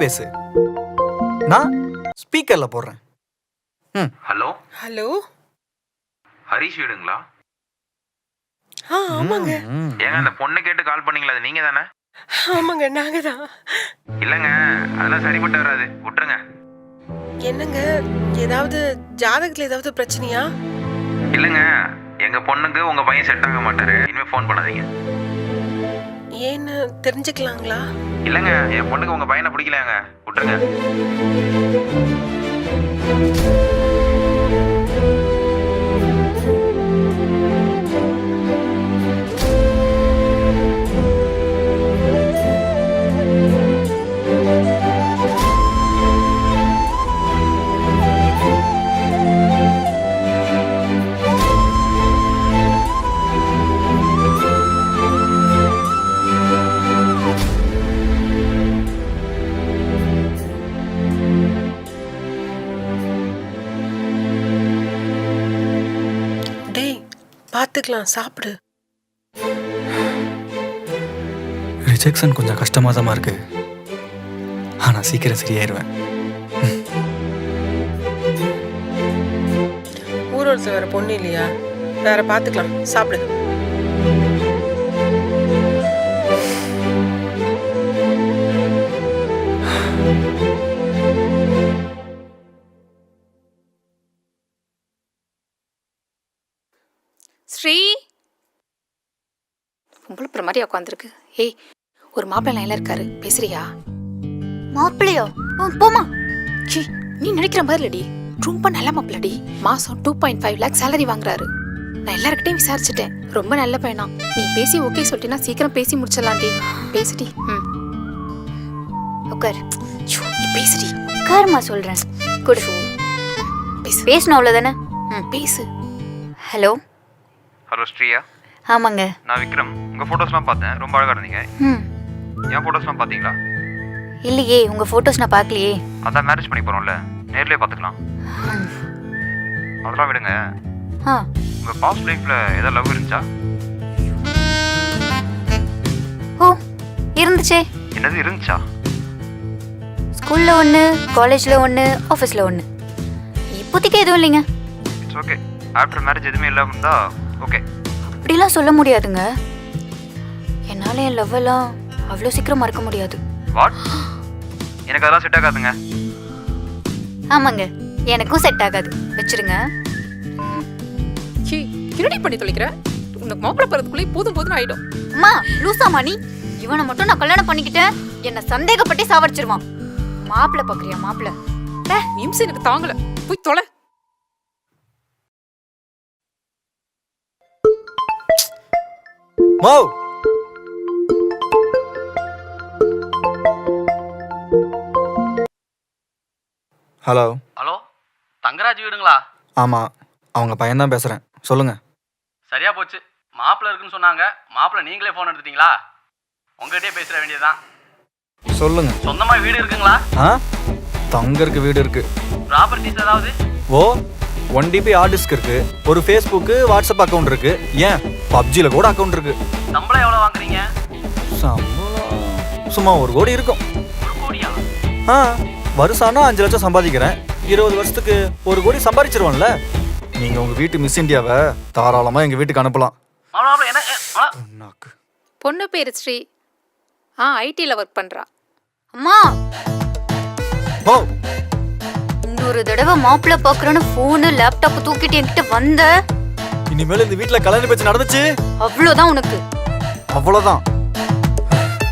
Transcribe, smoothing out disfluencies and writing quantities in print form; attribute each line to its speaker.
Speaker 1: பேசு, நான் ஸ்பீக்கர்ல போடுறேன்.
Speaker 2: Hello
Speaker 3: hello.
Speaker 2: ஹரிஷ் வீடுங்களா?
Speaker 3: ஆமாங்க.
Speaker 2: ஏங்க அந்த பொண்ணு கேட்டு கால் பண்ணீங்களா, அது நீங்க தானே?
Speaker 3: ஆமாங்க, நாங்க தான்.
Speaker 2: இல்லைங்க, அதெல்லாம் சரிப்பட்டு வராது, விட்டுருங்க.
Speaker 3: என்னங்க, ஏதாவது ஜாதகத்துல ஏதாவது பிரச்சனையா?
Speaker 2: இல்லைங்க, எங்க பொண்ணுக்கு உங்க பையன் செட் ஆக மாட்டாரு, இனிமே ஃபோன் பண்ணாதீங்க.
Speaker 3: ஏன்னு தெரிஞ்சுக்கலாங்களா?
Speaker 2: இல்லைங்க, என் பொண்ணுக்கு உங்க பையனை பிடிக்கலங்க, விட்டுருங்க.
Speaker 3: டேய், பாத்துக்கலாம், சாப்பிடு.
Speaker 1: ரிஜெக்ஷன் கொஞ்சம் கஷ்டமாக தான் இருக்கு, ஆனால் சீக்கிரம் சரியாயிருவேன்.
Speaker 3: ஊரோட வேற பொண்ணு இல்லையா? வேற பாத்துக்கலாம், சாப்பிடு.
Speaker 4: ஸ்ரீ பொம்பளை மாதிரி உட்காந்துருக்கு. ஏய், ஒரு மாப்பிள்ளை லைன்ல இருக்காரு, பேசுறியா?
Speaker 5: மாப்பிள்ளையோ? போமா.
Speaker 4: நீ நினைக்கிற மாதிரி இல்லடி, ரொம்ப நல்ல மாப்பிள்ளடி. மாசம் 2.5 lakh சேலரி வாங்குறாரு. நான் எல்லார்கிட்டையும் விசாரிச்சுட்டேன், ரொம்ப நல்ல பையனா. நீ பேசி ஓகே சொல்லிட்டீனா சீக்கிரம் பேசி முடிச்சிடலாம்டி. பேசுடி.
Speaker 5: உட்கார்.
Speaker 4: நீ பேசுடி.
Speaker 5: உட்காருமா சொல்றேன். குடு.
Speaker 4: பேசு.
Speaker 5: பேசணும் அவ்வளோதானே?
Speaker 4: பேசு.
Speaker 5: ஹலோ.
Speaker 2: ஹலோ ஸ்ரீயா.
Speaker 5: ஆமாங்க.
Speaker 2: நான் விக்ரம். உங்க போட்டோஸ்லாம் பார்த்தேன், ரொம்ப அழகா இருந்தீங்க. என் போட்டோஸ்லாம் பார்த்தீங்களா?
Speaker 5: இல்லையே, உங்க போட்டோஸ் நான் பார்க்கலையே.
Speaker 2: அதான் மேரேஜ் பண்ணி போறோம்ல, நேர்லயே பார்த்துக்கலாம். அதெல்லாம் விடுங்க. உங்க பாஸ்ட் லைஃப்ல ஏதாவது லவ் இருந்துச்சா?
Speaker 5: ஓ, இருந்துச்சே.
Speaker 2: என்னது இருந்துச்சா?
Speaker 5: ஸ்கூல்ல ஒன்று, காலேஜ்ல ஒன்று, ஆஃபீஸ்ல ஒன்று. இப்போதைக்கு எதுவும் இல்லைங்க.
Speaker 2: It's okay. ஆஃப்டர் மேரேஜ் எதுவுமே இல்லாம இருந்தா ஓகே.
Speaker 5: அப்படிலாம் சொல்ல முடியாதுங்க. என்னால என் லவ் எல்லாம் அவ்வளோ சீக்கிரம் மறக்க முடியாது.
Speaker 2: வாட்? எனக்கு அதெல்லாம் செட் ஆகாதுங்க.
Speaker 5: ஆமாங்க, எனக்கும் செட் ஆகாது. வச்சிருங்க.
Speaker 4: கிரடி பண்ணி தொலைக்கிற. உனக்கு மாப்பிள்ளை பறதுக்குள்ளே போதும் போதும் ஆயிடும்.
Speaker 5: அம்மா, லூசாமா நீ? இவனை மட்டும் நான் கல்யாணம் பண்ணிக்கிட்டேன், என்ன சந்தேகப்பட்டே சாவடிச்சிருவான். மாப்பிள்ளை பாக்குறியா? மாப்பிள்ளை
Speaker 4: நிமிஷம் எனக்கு தாங்கல, போய் தொலை.
Speaker 1: மோ, ஹலோ.
Speaker 6: ஹலோ, தங்கராஜ் வீடுங்களா?
Speaker 1: ஆமாம், அவங்க பையன்தான் பேசுகிறேன், சொல்லுங்கள்.
Speaker 6: சரியா போச்சு, மாப்பிள்ளை இருக்குன்னு சொன்னாங்க. மாப்பிள்ளை நீங்களே ஃபோன் எடுத்துட்டீங்களா? உங்ககிட்டயே பேசுற வேண்டியதுதான்.
Speaker 1: சொல்லுங்க.
Speaker 6: சொந்தமா வீடு இருக்குங்களா?
Speaker 1: தங்கருக்கு வீடு இருக்கு.
Speaker 6: ப்ராப்பர்ட்டிஸ் ஏதாவது?
Speaker 1: ஓ, 1 DB ஹார்ட் டிஸ்க் இருக்கு, ஒரு ஃபேஸ்புக்கு வாட்ஸ்அப் அக்கௌண்ட் இருக்கு, ஏன் பப்ஜியில் கூட அக்கௌண்ட் இருக்கு.
Speaker 6: சம்பளம் எவ்வளோ வாங்குறீங்க?
Speaker 1: சம்பளம் சும்மா 1 கோடி இருக்கும்.
Speaker 6: 1 கோடியா?
Speaker 1: வருஷம்னா 5 லட்சம் சம்பாதிக்கிறேன். 20 வருஷத்துக்கு 1 கோடி சம்பாதிச்சிருவோம்ல. நீங்க உங்க வீட்டு மிஸ் இந்தியாவை தாராளமா எங்க வீட்டுக்கு அனுப்பலாம்.
Speaker 4: பொண்ணு பேரு ஸ்ரீ. ஐடில ஒர்க் பண்றா.
Speaker 5: அம்மா, இன்னொரு தடவை மாப்பிள்ளை பாக்குறேன்னு போனு லேப்டாப் தூக்கிட்டு என்கிட்ட வந்த,
Speaker 1: இனிமேல் இந்த வீட்டுல கல்யாண பேச்சு நடந்துச்சு
Speaker 5: அவ்வளவுதான் உனக்கு.
Speaker 1: அவ்வளவுதான்.